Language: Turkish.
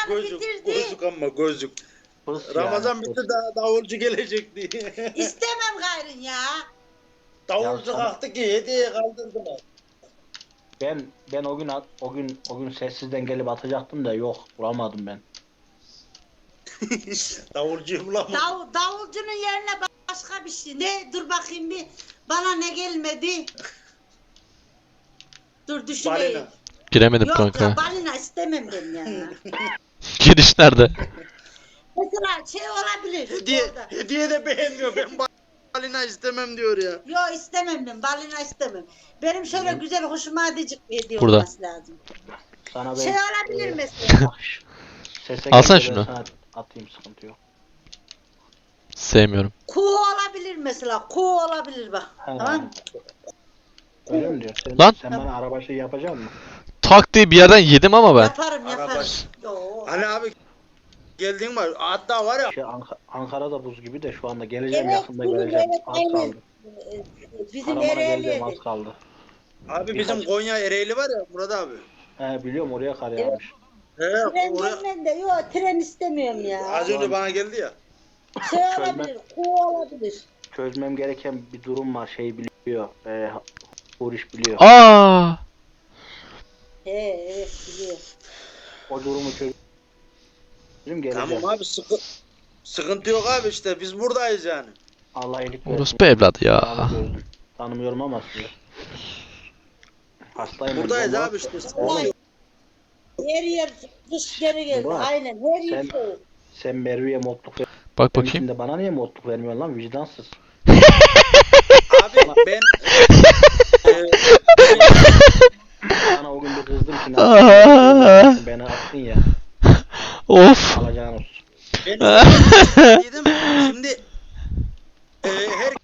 gözlük, bitirdi. gözlük ama gözlük. Pıs Ramazan yani, bitti pıs. davulcu gelecek diye. İstemem gayrın ya. Davulcu Ya sana- kalktı ki hediye kaldırdılar. Ben o gün sessizden gelip atacaktım da yok, bulamadım ben. Davulcuyu bulamadım. Davulcunun yerine başka bir şey. Ne? Dur bakayım bir. Bana ne gelmedi? Dur düşüneyim. Balina. Giremedim Yok kanka. ya balina istemem ben ya. Giriş nerede? Mesela şey olabilir. orada. Hediye de beğenmiyor. Ben balina istemem diyor ya. Yok istemem ben. Balina istemem. Benim şöyle güzel hoşuma gidecek bir hediye Burada. olması lazım. Sana ben Şey olabilir mesela. sese Alsana gelince ben şunu. sana atayım, sıkıntı yok. Sevmiyorum. Kuğu olabilir mesela. Kuğu olabilir bak. He. Tamam. Öyle mi diyor? Lan. Sen bana araba şey yapacak mısın? Tak diye bir yerden yedim ama ben. Yaparım Araba- yaparım. Yo. Hani abi geldiğin var. Hatta var ya. Şey, Ankara'da buz gibi de şu anda geleceğim, Evet, yakında bugün geleceğim. evet, Az aynen. kaldı. Bizim Karaman'a geleceğim, Ereğli'ydi. az kaldı. Abi bizim Konya Ereğli var ya Murat abi. He biliyorum, oraya kar yağmış. Tren Oraya gelmem de yok tren istemiyorum ya. az önce bana geldi ya. Şey olabilir, kuğu olabilir. Çözmem gereken bir durum var, şey biliyor. Huriş biliyor. Aa! Evet biliyor. O durumu çözüm geleceğim. Tamam abi sıkıntı yok abi işte biz buradayız yani. Allah iyilik versin. Orospu evladı ya. Tanımıyorum. Tanımıyorum ama sizi. Hastayım. Buradayız ben. abi işte. Vallahi her yer kış geri geldi. Murat, Aynen her yer sen- soğuk. Sen Merve'ye modluk ver. Bak bakayım. Şimdi bana niye modluk vermiyorsun lan, vicdansız? Abi ben Sana o gün bir kızdım ki ne yapıyorsun? Beni attın ya. Of. Alacağın olsun. ben dedim şimdi her